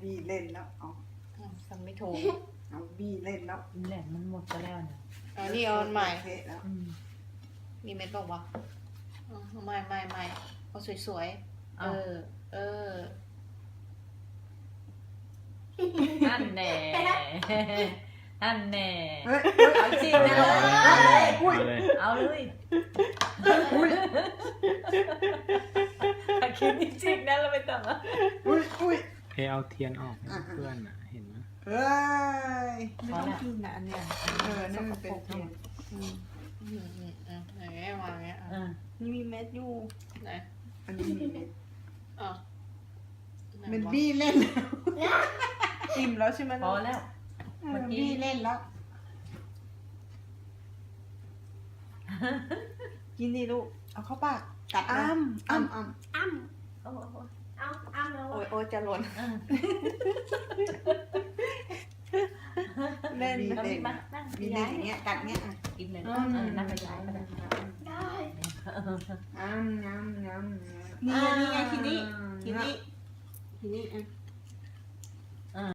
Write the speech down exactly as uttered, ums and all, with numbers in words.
บี้เล่นแล้วเอาทำไม่ถูกเอาบี้เล่นแล้วแหลมมันหมดไปแล้วเนี่ยอันนี้เอาใหม่แล้วมีเม็ดบอกว่าใหม่ใหม่ใหม่เอาสวยๆเออเออนั่นแน่นั่นแน่เฮ้ยเอาจริงนะเอาเลยคิดจริงนะเราไม่ต้องอ่ะอุ้ยอุ้ยเพเอาเทียนออกเพื่อนอ่ะเห็นไหมเอ้ยไม่ต้องกินนะอันเนี้ยเออนั่นมันเป็นเทียนอืมอืมอืมอืมอย่างเงี้ยวางเงี้ยอ่านี่มีเม็ดอยู่ไหนอันนี้มีเม็ดอ่ะมันบี้เล่นแล้วอิ่มแล้วใช่ไหมพอแล้วมันบี้เล่นแล้วกินดิลูกเอาเข้าปากกัดอ้ำอ้ำอ้ำอ้ำโอ้โหอ้ำอ้ำแล้วโอ้ยโอ้ยจะหล่นเล่นบี้ก็เล่มีนมานั่งบี้เล่นอย่างเงี้ยกัดเงี้ยกินเลยนั่งไปย้ายก็ได้ได้อ้ำอ้ำอ้ำนี่นี่ไงทีนี้ทีนี้ทีนี้อ่ะ